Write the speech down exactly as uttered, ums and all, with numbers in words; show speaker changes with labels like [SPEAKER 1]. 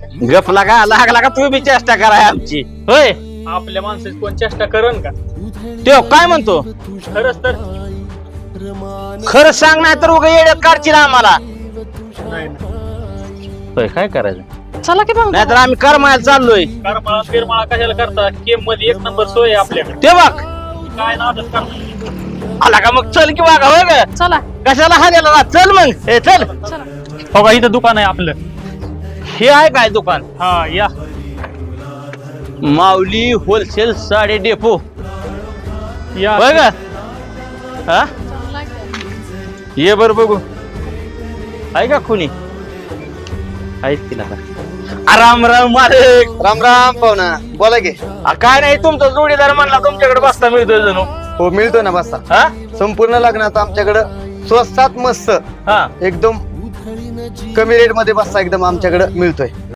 [SPEAKER 1] गपला का लागला का तुम्ही चेष्टा कराय आमची होय
[SPEAKER 2] आपल्या माणसाची कोण चेष्टा करण का?
[SPEAKER 1] तो काय म्हणतो
[SPEAKER 2] खरंच तर
[SPEAKER 1] खरं सांग नाही तर उगा येड्यात काढची ना आम्हाला
[SPEAKER 2] नाही
[SPEAKER 1] होय काय करायचं
[SPEAKER 3] चला की मग
[SPEAKER 1] नाहीतर आम्ही करमायला चाललोय
[SPEAKER 2] करमाळा फिरमाळा कशाला करता? केम मध्ये एक नंबर सोय आहे आपल्याकडे.
[SPEAKER 1] ते बघ
[SPEAKER 2] काय नादच करता?
[SPEAKER 1] आला का मग चल की वागा होय ग
[SPEAKER 3] चला
[SPEAKER 1] कशाला हाण्याला चल मग हे चल
[SPEAKER 3] चला
[SPEAKER 2] हो का, इथं दुकान आहे आपलं.
[SPEAKER 1] हे आहे काय दुकान
[SPEAKER 2] हा या.
[SPEAKER 1] माऊली होलसेल साडे डेपो
[SPEAKER 2] या
[SPEAKER 1] होय ग हा
[SPEAKER 3] चांगला आहे.
[SPEAKER 1] ये बर बघू आहे का खुनी आहेच तिला का राम राम मालिक
[SPEAKER 4] राम राम पाहुणा बोला की.
[SPEAKER 1] आ, काय नाही तुमचा जोडीदार म्हणला तुमच्याकडे बसता मिळतोय जणू
[SPEAKER 4] हो मिळतो ना बस्ता.
[SPEAKER 1] हा
[SPEAKER 4] संपूर्ण लग्नात आमच्याकडं स्वस्तात मस्त
[SPEAKER 1] हा
[SPEAKER 4] एकदम कमी रेट मध्ये बस्ता एकदम आमच्याकडे मिळतोय.